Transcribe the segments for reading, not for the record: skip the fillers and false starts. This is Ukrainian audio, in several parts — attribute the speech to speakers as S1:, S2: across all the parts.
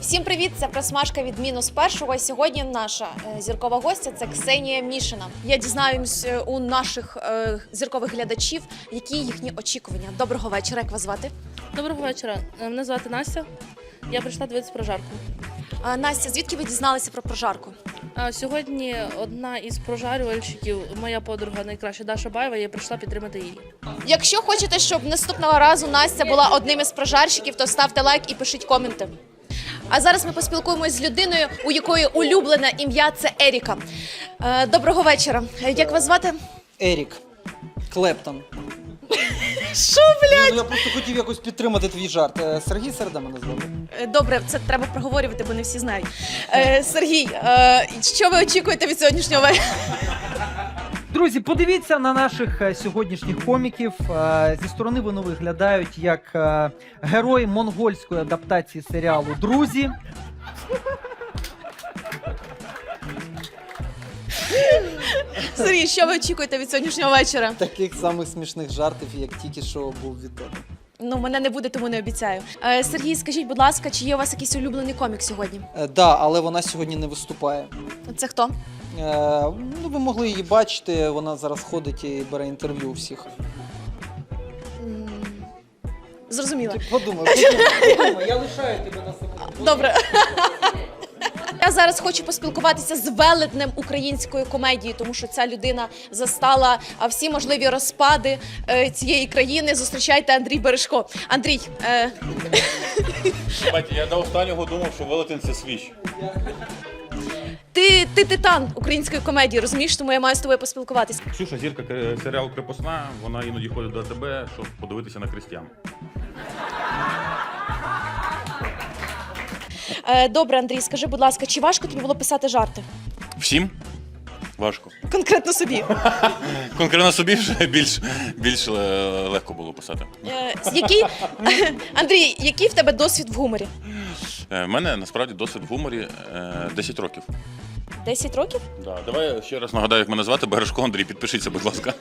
S1: Всім привіт! Це просмажка від мінус першого. І сьогодні наша зіркова гостя – це Ксенія Мішина. Я дізнаюсь у наших зіркових глядачів, які їхні очікування. Доброго вечора, як вас звати?
S2: Доброго вечора. Мене звати Настя. Я прийшла дивитися прожарку.
S1: Настя, звідки ви дізналися про прожарку?
S2: Сьогодні одна із прожарювальщиків, моя подруга найкраща Даша Баєва, я прийшла підтримати її.
S1: Якщо хочете, щоб наступного разу Настя була одним із прожарщиків, то ставте лайк і пишіть коменти. А зараз ми поспілкуємось з людиною, у якої улюблене ім'я – це Еріка. Доброго вечора. Як вас звати?
S3: Ерік Клептон.
S1: Що, блядь?
S3: Я просто хотів якось підтримати твій жарт. Сергій Середа мене звати.
S1: Добре, це треба проговорювати, бо не всі знають. Сергій, що ви очікуєте від сьогоднішнього вечора?
S4: Друзі, подивіться на наших сьогоднішніх коміків. Зі сторони вони виглядають як герої монгольської адаптації серіалу «Друзі».
S1: Сергій, що ви очікуєте від сьогоднішнього вечора?
S3: Таких самих смішних жартів, як тільки що був від тебе.
S1: Ну, мене не буде, тому не обіцяю. Сергій, скажіть, будь ласка, чи є у вас якийсь улюблений комік сьогодні?
S3: Да, але вона сьогодні не виступає.
S1: Це хто?
S3: Ну, ви могли її бачити, вона зараз ходить і бере інтерв'ю у всіх.
S1: Зрозуміло.
S3: Ти подумай, я лишаю тебе на самому.
S1: Добре. Я зараз хочу поспілкуватися з велетнем української комедії, тому що ця людина застала всі можливі розпади цієї країни. Зустрічайте Андрій Бережко. Андрій,
S5: Я до останнього думав, що велетень – це свіч.
S1: ти титан української комедії, розумієш? Тому я маю з тобою поспілкуватися.
S5: Ксюша, зірка серіалу «Крепосна», вона іноді ходить до тебе, щоб подивитися на крестьян.
S1: Добре, Андрій, скажи, будь ласка, чи важко тобі було писати жарти?
S5: Всім? Важко.
S1: Конкретно собі.
S5: Конкретно собі вже більш легко було писати.
S1: Андрій, який в тебе досвід в гуморі?
S5: В мене, насправді, досвід в гуморі 10 років.
S1: 10 років?
S5: Да. Давай я ще раз нагадаю, як мене звати. Бережко Андрій, підпишіться, будь ласка.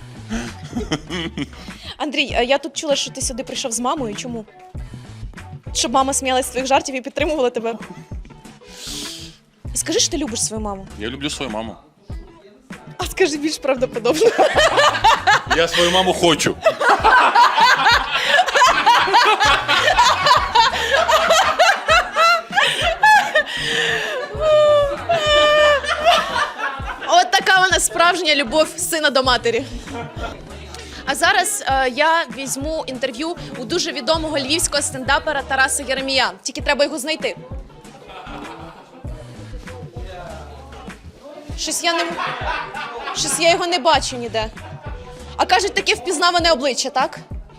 S1: Андрій, я тут чула, що ти сюди прийшов з мамою. Чому? Щоб мама сміялась з твоїх жартів і підтримувала тебе. І скажи, що ти любиш свою маму.
S5: Я люблю свою маму.
S1: А скажи більш правдоподобно.
S5: Я свою маму хочу.
S1: От така вона справжня любов сина до матері. А зараз я візьму інтерв'ю у дуже відомого львівського стендапера Тараса Єремія. Тільки треба його знайти. Щось я його не бачу ніде. А кажуть, таке впізнаване обличчя, так?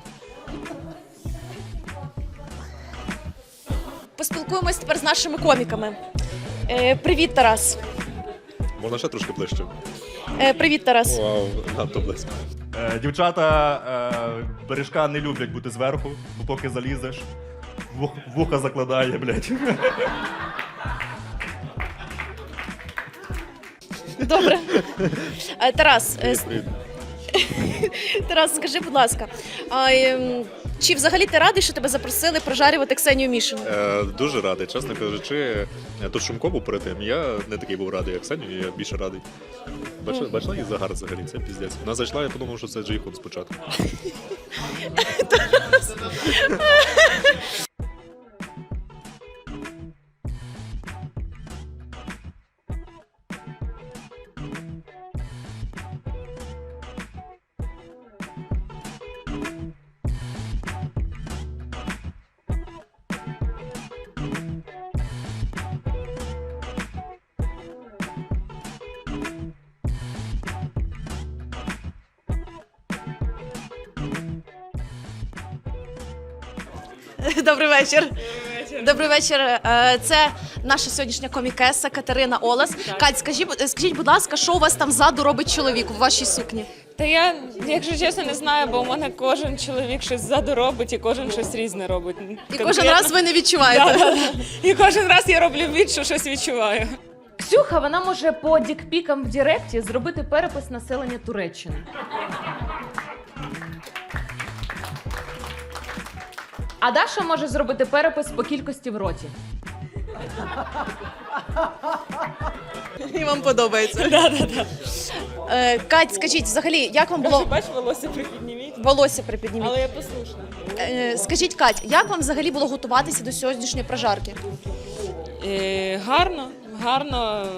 S1: Поспілкуємось тепер з нашими коміками. Привіт, Тарас.
S6: Можна ще трошки ближче?
S1: Привіт, Тарас.
S6: Вау, надто близько.
S7: Дівчата бережка не люблять бути зверху, бо поки залізеш, вуха закладає, блядь.
S1: Добре. Тарас, Тарас, скажи, будь ласка, чи взагалі ти радий, що тебе запросили прожарювати Ксенію Мішину?
S6: Дуже радий, чесно кажучи. Тут Шумко був перед тим, я не такий був радий, як Ксенію, я більше радий. Бачила її загар взагалі, це піздець. Вона зайшла, я подумав, що це Джейхун спочатку.
S1: Добрий вечір. Добрий вечір. Це наша сьогоднішня комікеса Катерина Олес. Кать, скажіть, будь ласка, що у вас там ззаду робить чоловік у вашій сукні?
S8: Та я, якщо чесно, не знаю, бо у мене кожен чоловік щось ззаду робить і кожен щось різне робить.
S1: І кожен раз ви не відчуваєте.
S8: Да. І кожен раз я роблю від, що щось відчуваю.
S9: Ксюха, вона може по дікпікам в Діректі зробити перепис населення Туреччини. А Даша може зробити перепис по кількості в роті.
S1: І вам подобається. Кать, скажіть, взагалі, як вам було
S8: Бач, волосся припідніміть.
S1: волосся припідніміть?
S8: Але я послушна.
S1: Скажіть, Кать, як вам взагалі було готуватися до сьогоднішньої прожарки?
S8: Гарно, гарно.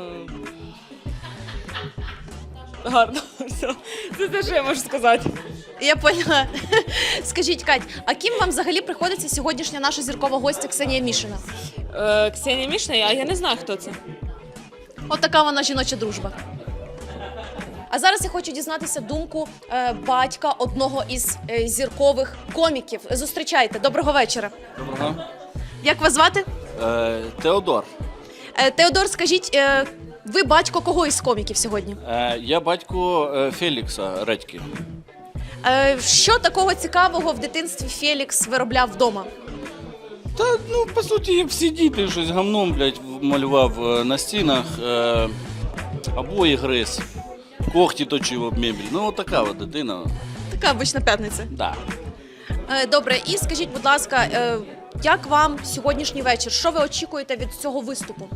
S8: Гарно. Все. Це те, що я можу сказати.
S1: Я поняла. Скажіть, Кать, а ким вам взагалі приходиться сьогоднішня наша зіркова гостя Ксенія Мішина?
S8: Ксенія Мішна, а я не знаю, хто це.
S1: От така вона жіноча дружба. А зараз я хочу дізнатися думку батька одного із зіркових коміків. Зустрічайте. Доброго вечора.
S10: Доброго.
S1: Як вас звати?
S10: Теодор.
S1: Теодор, скажіть, ви батько кого із коміків сьогодні?
S10: Я батько Фелікса Редьки.
S1: Що такого цікавого в дитинстві Фелікс виробляв вдома?
S10: Та, ну, по суті, як всі діти, щось гамном, блядь, малював на стінах, обої гриз, когті точив об мебель. Ну, от така от дитина.
S1: Така обична п'ятниця.
S10: Да.
S1: Добре, і скажіть, будь ласка, як вам сьогоднішній вечір? Що ви очікуєте від цього виступу?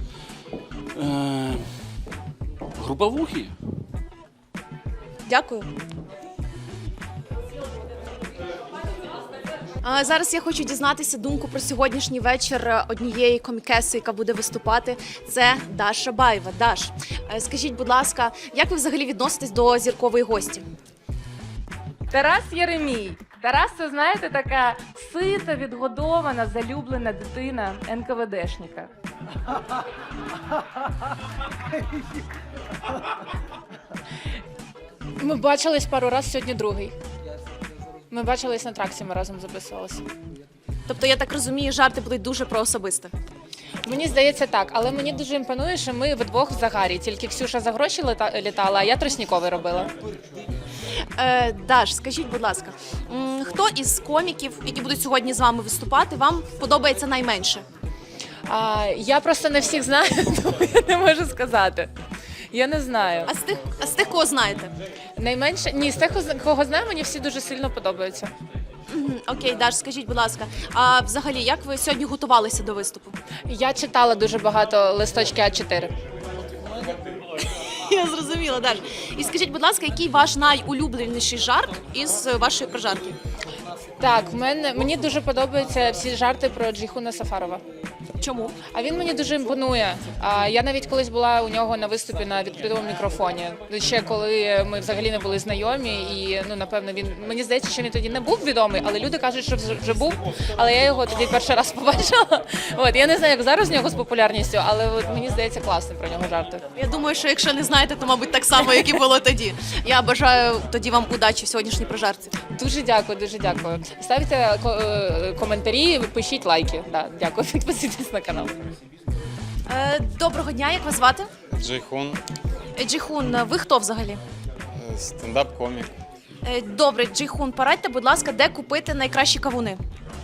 S10: Груповухи.
S1: Дякую. А зараз я хочу дізнатися думку про сьогоднішній вечір однієї комікеси, яка буде виступати. Це Даша Баєва. Даш, скажіть, будь ласка, як ви взагалі відноситесь до зіркової гості?
S9: Тарас Єремій. Тарас, це, знаєте, така сита, відгодована, залюблена дитина НКВДшника.
S11: Ми бачились пару разів, сьогодні другий. Ми бачились на траксі, ми разом записувалися.
S1: Тобто, я так розумію, жарти були дуже про особисте.
S11: Мені здається так, але мені дуже імпонує, що ми вдвох в загарі. Тільки Ксюша за гроші літала, а я тростніковий робила.
S1: Даш, скажіть, будь ласка, хто із коміків, які будуть сьогодні з вами виступати, вам подобається найменше?
S11: Я просто не всіх знаю, тому я не можу сказати. Я не знаю.
S1: А з тих, кого знаєте?
S11: Найменше? Ні, з тих, кого знаю, мені всі дуже сильно подобаються.
S1: Окей, Даш, скажіть, будь ласка, а взагалі, як ви сьогодні готувалися до виступу?
S11: Я читала дуже багато листочки А4.
S1: Я зрозуміла, Даш. І скажіть, будь ласка, який ваш найулюбленіший жарт із вашої прожарки?
S11: Так, мені дуже подобаються всі жарти про Джейхуна Сафарова.
S1: Чому?
S11: А він мені дуже імпонує. Я навіть колись була у нього на виступі на відкритому мікрофоні. Ще коли ми взагалі не були знайомі, і напевно мені здається, що він тоді не був відомий, але люди кажуть, що вже був. Але я його тоді перший раз побачила. Я не знаю, як зараз у нього з популярністю, але мені здається класно про нього жарти.
S1: Я думаю, що якщо не знаєте, то мабуть так само, як і було тоді. Я бажаю тоді вам удачі в сьогоднішній прожарці.
S11: Дуже дякую, дуже дякую. Ставте коментарі, пишіть лайки. Да, дякую, підписуйтесь на канал.
S1: Доброго дня, як вас звати?
S12: Джейхун,
S1: Джейхун, ви хто взагалі?
S12: стендап-комік.
S1: Добре, Джейхун, порадьте, будь ласка, де купити найкращі кавуни?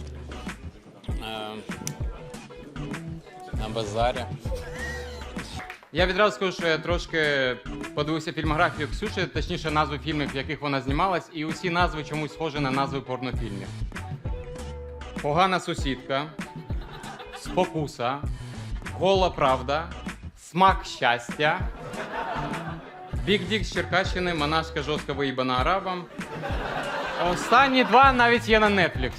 S12: На базарі.
S13: Я відразу скажу, що я трошки подивився фільмографію Ксюші, точніше назви фільмів, в яких вона знімалась, і усі назви чомусь схожі на назви порнофільмів. Погана сусідка, Спокуса, Гола правда, Смак щастя, Бік Дік з Черкащини, Монашка жорстко виїбана арабам. Останні два навіть є на Netflix.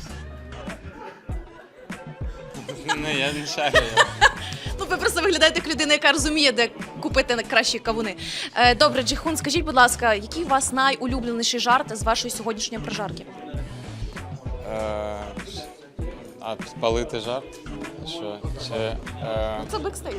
S12: Не, я не шарю.
S1: Ну, ви просто виглядаєте як людина, яка розуміє, де купити найкращі кавуни. Добре, Джейхун, скажіть, будь ласка, який у вас найулюбленіший жарт з вашої сьогоднішньої прожарки?
S12: Спалити жарт? Що? Чи,
S1: Це бекстейдж.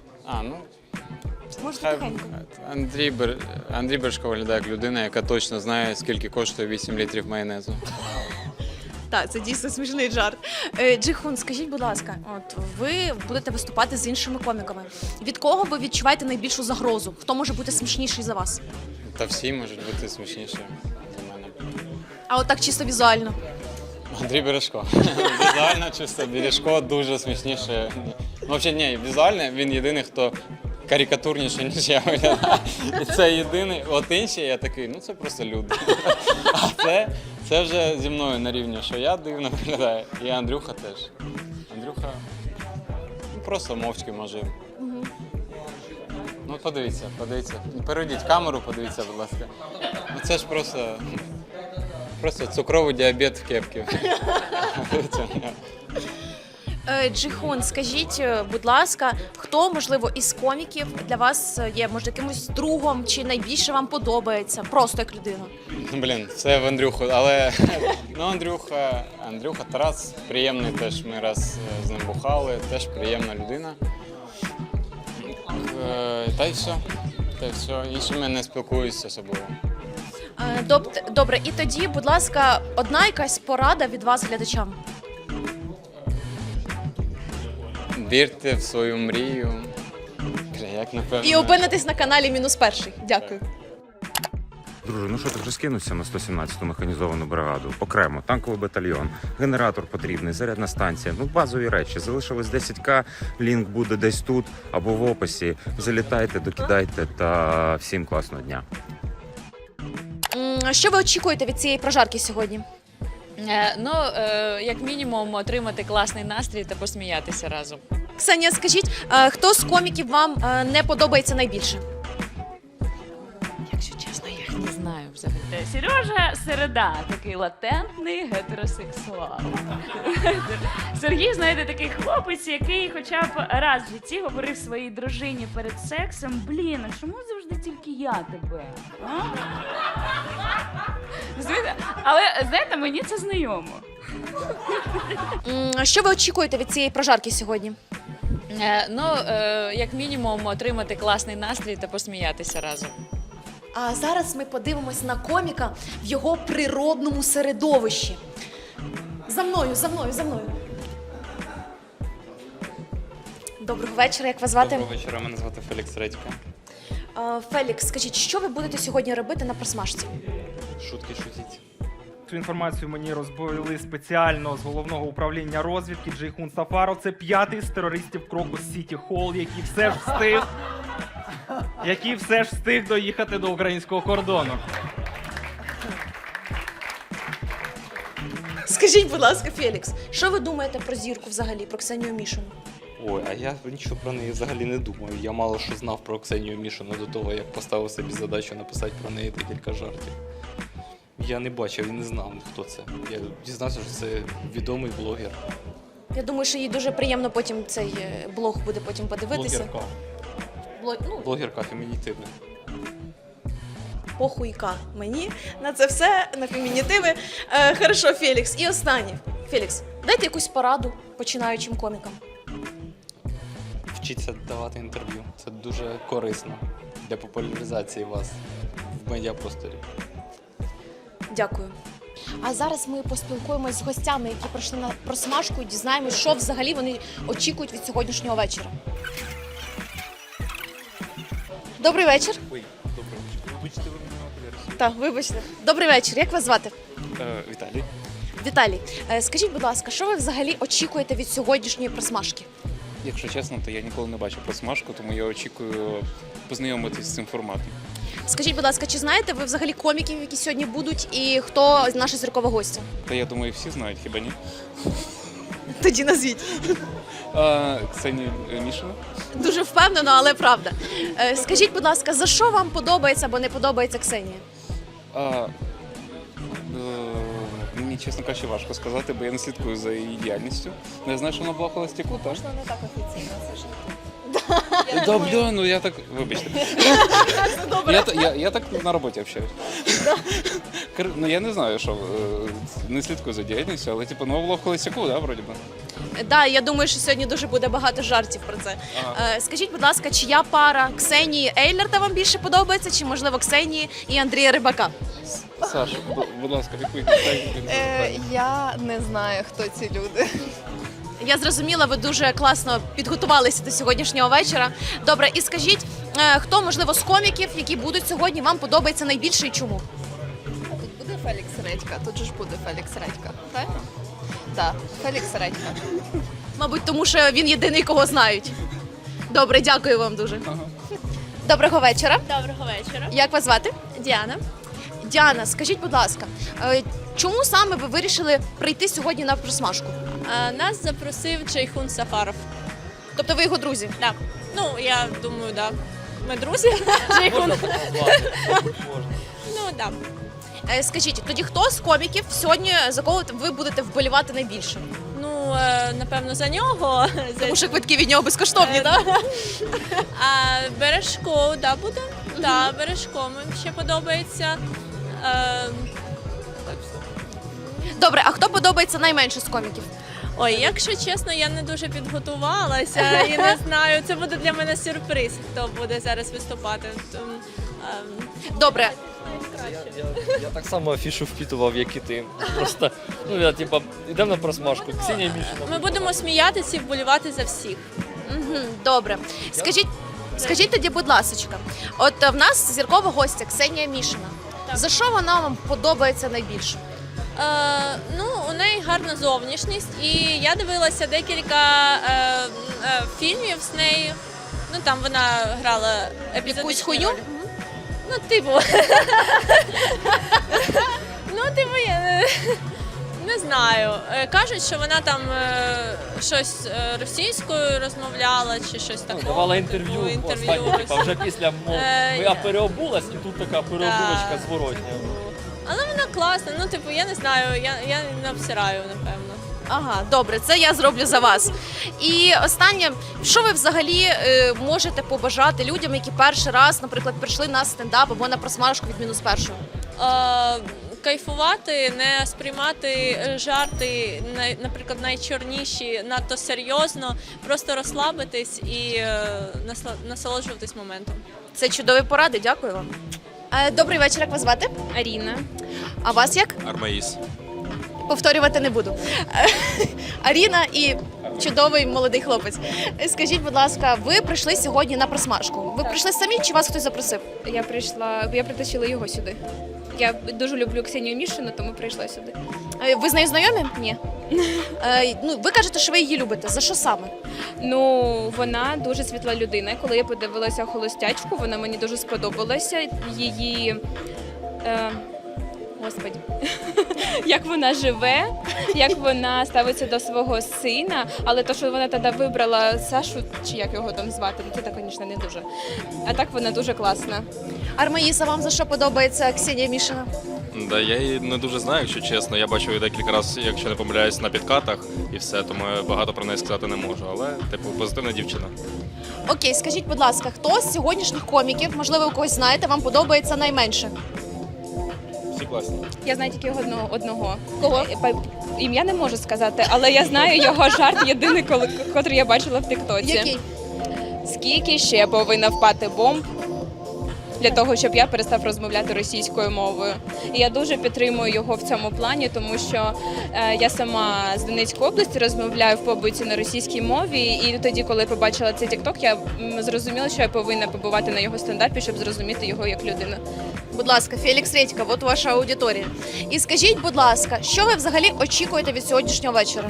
S1: Можете тихенько.
S12: Андрій Бережко виглядає як людина, яка точно знає, скільки коштує 8 літрів майонезу.
S1: Так, це дійсно смішний жарт. Джейхун, скажіть, будь ласка, от ви будете виступати з іншими коміками. Від кого ви відчуваєте найбільшу загрозу? Хто може бути смішніший за вас?
S12: Та всі можуть бути смішніші за мене.
S1: А от так чисто візуально.
S12: Андрій Бережко. Візуально чисто Бережко дуже смішніше. Ну, взагалі, ні, візуально він єдиний, хто карикатурніше, ніж я виглядаю. І це єдиний. От інші я такий, ну це просто люди. А це вже зі мною на рівні, що я дивно виглядаю. І Андрюха теж. Андрюха просто мовчки може. Ну, подивіться. Перейдіть камеру, подивіться, будь ласка. Ну, це ж просто цукровий діабет в кепці.
S1: Джейхун, скажіть, будь ласка, хто, можливо, із коміків для вас є, може, якимось другом чи найбільше вам подобається, просто як людина?
S12: Блін, це в Андрюху, але ну, Андрюха Тарас приємний теж. Ми раз з ним бухали, теж приємна людина. Та й все. Іншими не спілкуюся особливо.
S1: Добре, і тоді, будь ласка, одна якась порада від вас глядачам.
S12: Вірте в свою мрію. Як напевно.
S1: І опинитесь на каналі -1. Дякую.
S5: Друже, ну що ти вже скинувся на 117-ту механізовану бригаду? Окремо, танковий батальйон, генератор потрібний, зарядна станція, ну базові речі. Залишилось 10к, лінк буде десь тут або в описі. Залітайте, докидайте та всім класного дня.
S1: Що ви очікуєте від цієї прожарки сьогодні?
S8: Як мінімум, отримати класний настрій та посміятися разом.
S1: Ксенія, скажіть, хто з коміків вам не подобається найбільше?
S8: Якщо чесно, я їх не знаю взагалі.
S9: Сережа Середа, такий латентний гетеросексуал. Сергій, знаєте, такий хлопець, який хоча б раз в житті говорив своїй дружині перед сексом: блін, а чому завжди тільки я тебе? А? Але, знаєте, мені це знайомо.
S1: Що ви очікуєте від цієї прожарки сьогодні?
S8: Як мінімум, отримати класний настрій та посміятися разом.
S1: А зараз ми подивимось на коміка в його природному середовищі. За мною. Доброго вечора, як вас звати?
S12: Доброго вечора, мене звати Фелікс Редька.
S1: Фелікс, скажіть, що ви будете сьогодні робити на просмажці?
S12: Шутки шутіть.
S14: Цю інформацію мені розповіли спеціально з головного управління розвідки Джейхун Сафаров. Це 5-й з терористів Крокус Сіті Холл, який все ж встиг доїхати до українського кордону.
S1: Скажіть, будь ласка, Фелікс, що ви думаєте про зірку взагалі, про Ксенію Мішину?
S12: Ой, а я нічого про неї взагалі не думаю. Я мало що знав про Ксенію Мішину до того, як поставив собі задачу написати про неї декілька жартів. Я не бачив і не знав, хто це. Я дізнався, що це відомий блогер.
S1: Я думаю, що їй дуже приємно потім цей блог буде потім подивитися.
S12: Блогерка. Блогерка фемінітивна.
S1: Похуйка мені на це все, на фемінітиви. Хорошо, Фелікс. І останнє. Фелікс, дайте якусь пораду починаючим комікам.
S12: Вчіться давати інтерв'ю. Це дуже корисно для популяризації вас в медіапросторі.
S1: Дякую. А зараз ми поспілкуємось з гостями, які прийшли на просмажку, і дізнаємось, що взагалі вони очікують від сьогоднішнього вечора. Добрий вечір.
S12: Ой, добре. Вибачте, ви мене.
S1: Так, вибачте. Добрий вечір. Як вас звати?
S12: Віталій.
S1: Віталій, скажіть, будь ласка, що ви взагалі очікуєте від сьогоднішньої просмажки?
S15: Якщо чесно, то я ніколи не бачив просмажку, тому я очікую познайомитися з цим форматом.
S1: Скажіть, будь ласка, чи знаєте ви взагалі коміків, які сьогодні будуть, і хто наша зіркова гостя?
S15: Та я думаю, всі знають, хіба ні?
S1: Тоді назвіть.
S15: Ксенія Мішина.
S1: Дуже впевнено, але правда. Скажіть, будь ласка, за що вам подобається або не подобається Ксенія?
S15: Мені, чесно кажучи, важко сказати, бо я не слідкую за її діяльністю. Я знаю, що вона була холостяку, так?
S1: Можна не так офіційно, це ж.
S15: Добре, ну я так, вибачте. Я так на роботі общаюсь. Ну я не знаю, що не слідкую за діяльністю, але типу, ну було в холостяку, да, вроді би.
S1: Так, я думаю, що сьогодні дуже буде багато жартів про це. Скажіть, будь ласка, чия пара Ксенії Ейлерта вам більше подобається, чи, можливо, Ксенії і Андрія Рибака?
S15: Саш, будь ласка, відповідь.
S16: Я не знаю, хто ці люди.
S1: Я зрозуміла, ви дуже класно підготувалися до сьогоднішнього вечора. Добре, і скажіть, хто, можливо, з коміків, які будуть сьогодні, вам подобається найбільше і чому?
S16: Тут буде Фелікс Редька, тут же ж буде Фелікс Редька, так? Так, Фелікс Редька.
S1: Мабуть, тому що він єдиний, кого знають. Добре, дякую вам дуже. Доброго вечора.
S17: Доброго вечора.
S1: Як вас звати?
S17: Діана.
S1: Діана, скажіть, будь ласка, чому саме ви вирішили прийти сьогодні на просмажку?
S17: Нас запросив Джейхун Сафаров.
S1: Тобто ви його друзі?
S8: Так. Ну, я думаю, так. Ми друзі. Ну, так.
S1: Скажіть, тоді хто з коміків сьогодні, за кого ви будете вболівати найбільше?
S8: Ну, напевно, за нього.
S1: Тому що квитки від нього безкоштовні, так?
S8: А Бережко, да, буде? Так, Бережко мені ще подобається.
S1: Добре, а хто подобається найменше з коміків?
S8: Ой, якщо чесно, я не дуже підготувалася і не знаю. Це буде для мене сюрприз, хто буде зараз виступати.
S1: Добре.
S17: Я так само афішу впітував, як і ти. Просто, ну я типа, йдемо на просмажку. Ксенія Мішина.
S8: Ми будемо сміятися і вболівати за всіх.
S1: Добре. Скажіть тоді, будь ласочка, от в нас зіркова гостя Ксенія Мішина. За що вона вам подобається найбільше?
S8: Ну, у неї гарна зовнішність, і я дивилася декілька фільмів з нею. Ну, там вона грала
S1: Якусь хуйню?
S8: Ну, типу. Я не знаю. Кажуть, що вона там щось російською розмовляла чи щось таке.
S17: Давала інтерв'ю останнє, типа, вже після мов. Я переобулась, і тут така переобулочка зворотня.
S8: Але вона класна, ну, типу, я не знаю, я не обсираю, напевно.
S1: Ага, добре, це я зроблю за вас. І останнє, що ви взагалі можете побажати людям, які перший раз, наприклад, прийшли на стендап або на просмажку від мінус першого?
S8: Кайфувати, не сприймати жарти, наприклад, найчорніші надто серйозно, просто розслабитись і насолоджуватись моментом.
S1: Це чудові поради, дякую вам. Добрий вечір, як вас звати?
S18: Аріна.
S1: А вас як?
S6: Армаїс.
S1: Повторювати не буду. Аріна і чудовий молодий хлопець. Скажіть, будь ласка, ви прийшли сьогодні на просмажку. Ви прийшли самі чи вас хтось запросив?
S18: Я притащила його сюди. Я дуже люблю Ксенію Мішину, тому прийшла сюди.
S1: Ви з нею знайомі?
S18: Ні.
S1: Ну, ви кажете, що ви її любите. За що саме?
S18: Ну, вона дуже світла людина. Коли я подивилася «Холостячку», вона мені дуже сподобалася. Її... Господи, як вона живе, як вона ставиться до свого сина, але то, що вона тоді вибрала Сашу, чи як його там звати, це так, звісно, не дуже. А так вона дуже класна.
S1: Армаїса, вам за що подобається Ксенія Мішина?
S6: Да, я її не дуже знаю, якщо чесно. Я бачив її декілька разів, якщо не помиляюсь, на підкатах і все, тому я багато про неї сказати не можу. Але, типу, позитивна дівчина.
S1: Окей, скажіть, будь ласка, хто з сьогоднішніх коміків, можливо, ви когось знаєте, вам подобається найменше?
S6: Всі класні.
S18: Я знаю тільки одного.
S1: Кого?
S18: Ім'я не можу сказати, але я знаю його жарт єдиний, котрий я бачила в тіктоці.
S1: Який?
S18: Скільки ще повинна впати бомб для того, щоб я перестав розмовляти російською мовою. І я дуже підтримую його в цьому плані, тому що я сама з Донецької області розмовляю в побуті на російській мові, і тоді, коли побачила цей тікток, я зрозуміла, що я повинна побувати на його стендапі, щоб зрозуміти його як людину.
S1: Будь ласка, Фелікс Редька, от ваша аудиторія. І скажіть, будь ласка, що ви взагалі очікуєте від сьогоднішнього вечора?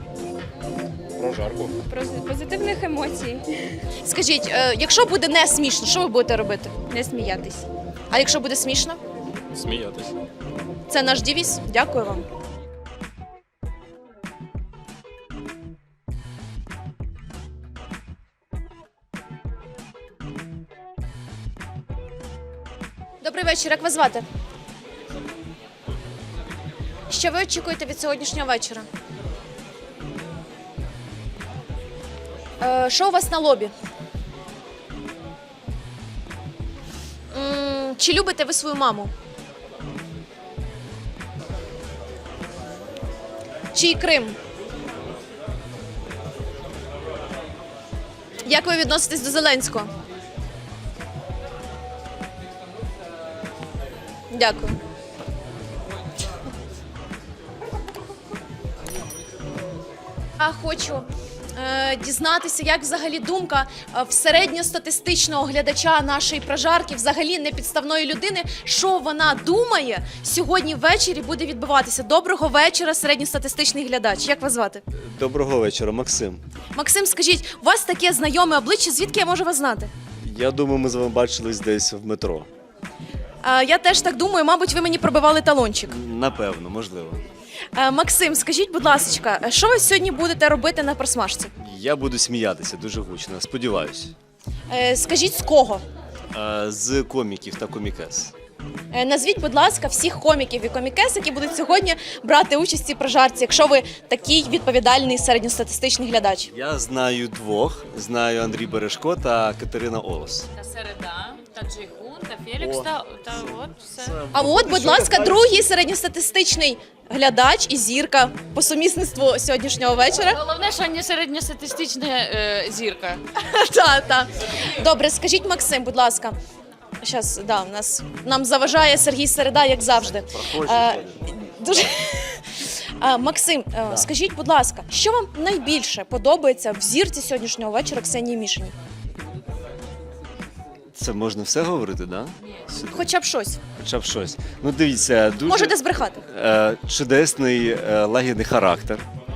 S6: Прожарку.
S18: Про позитивних емоцій.
S1: Скажіть, якщо буде не смішно, що ви будете робити?
S18: Не сміятись.
S1: А якщо буде смішно?
S6: Сміятись.
S1: Це наш девіз. Дякую вам. Добрий вечір, як вас звати? Що ви очікуєте від сьогоднішнього вечора? Що у вас на лобі? Чи любите ви свою маму? Чий Крим? Як ви відноситесь до Зеленського? Дякую. Я хочу дізнатися, як взагалі думка в середньостатистичного глядача нашої прожарки, взагалі непідставної людини, що вона думає сьогодні ввечері буде відбуватися. Доброго вечора, середньостатистичний глядач. Як вас звати?
S19: Доброго вечора, Максим.
S1: Максим, скажіть, у вас таке знайоме обличчя, звідки я можу вас знати?
S19: Я думаю, ми з вами бачились десь в метро.
S1: Я теж так думаю, мабуть, ви мені пробивали талончик.
S19: Напевно, можливо.
S1: Максим, скажіть, будь ласка, що ви сьогодні будете робити на просмажці?
S19: Я буду сміятися дуже гучно, сподіваюся.
S1: Скажіть, з кого?
S19: З коміків та комікес.
S1: Назвіть, будь ласка, всіх коміків і комікес, які будуть сьогодні брати участь у цій прожарці, якщо ви такий відповідальний середньостатистичний глядач.
S19: Я знаю двох. Знаю Андрій Бережко та Катерина Олос.
S9: Та Середа, та Джейхун, та Фелікс, та от все.
S1: А от, будь ласка, другий середньостатистичний глядач і зірка по сумісництву сьогоднішнього вечора.
S9: Головне, що не середньостатистична зірка.
S1: Так. Добре, скажіть, Максим, будь ласка. Щас, да, нам заважає Сергій Середа, як завжди. Дуже... Максим, скажіть, будь ласка, що вам найбільше подобається в зірці сьогоднішнього вечора Ксенії Мішиній?
S19: Це можна все говорити, да?
S1: Хоча б щось.
S19: Хоча б щось. Ну дивіться, дуже
S1: Можете збрехати.
S19: Чудесний, лагідний характер.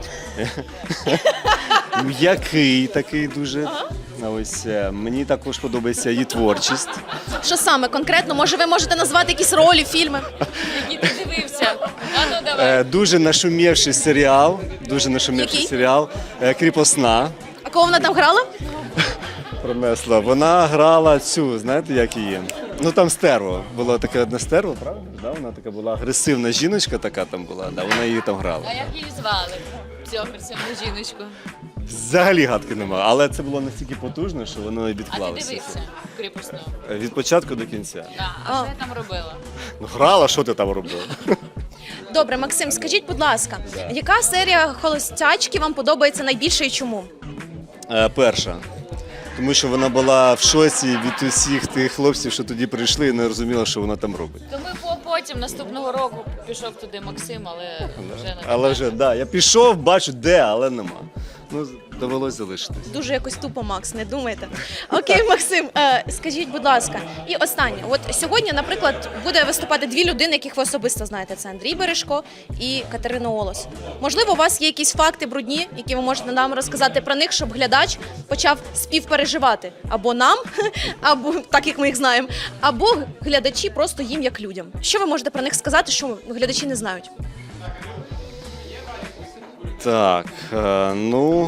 S19: М'який такий дуже. Ось мені також подобається її творчість.
S1: Що саме конкретно? Може, ви можете назвати якісь ролі, фільми?
S9: Які ти дивився? А ну давай.
S19: Дуже нашумівший серіал.
S1: Який?
S19: Кріпосна.
S1: А кого вона там грала?
S19: Пронесла. Вона грала цю, знаєте, як її? Ну там стерво. Було таке одне стерво, правда? Да, вона така була агресивна жіночка, така там була. Да, вона її там грала.
S9: А як її звали? Цю агресивну жіночку.
S19: Взагалі гадки нема, але це було настільки потужно, що воно і
S9: А ти
S19: відклалося.
S9: дивився кріпосну?
S19: Від початку до кінця.
S9: А що я там робила?
S19: Ну грала, що ти там робила?
S1: Добре, Максим, скажіть, будь ласка, яка серія «Холостячки» вам подобається найбільше і чому?
S19: Перша. Тому що вона була в шоці від усіх тих хлопців, що тоді прийшли і не розуміла, що вона там робить.
S9: То ми потім наступного року пішов туди Максим, але вже не
S19: Але вже, да, я пішов, бачу, де, але нема. Ну, довелось залишитись.
S1: Дуже якось тупо, Макс, не думайте. Окей, Максим, скажіть, будь ласка, і останнє. От сьогодні, наприклад, буде виступати дві людини, яких ви особисто знаєте. Це Андрій Бережко і Катерина Олос. Можливо, у вас є якісь факти брудні, які ви можете нам розказати про них, щоб глядач почав співпереживати або нам, або так, як ми їх знаємо, або глядачі просто їм як людям. Що ви можете про них сказати, що глядачі не знають?
S19: Так, ну.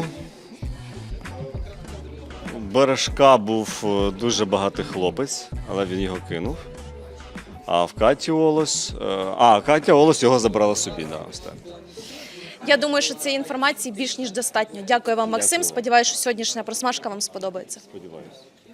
S19: У Бережка був дуже багатий хлопець, але він його кинув. А в Каті Олос. Катя Олос його забрала собі, да, ось так.
S1: Я думаю, що цієї інформації більш ніж достатньо. Дякую вам, Максим.
S19: Дякую.
S1: Сподіваюся, що сьогоднішня просмажка вам сподобається.
S19: Сподіваюся.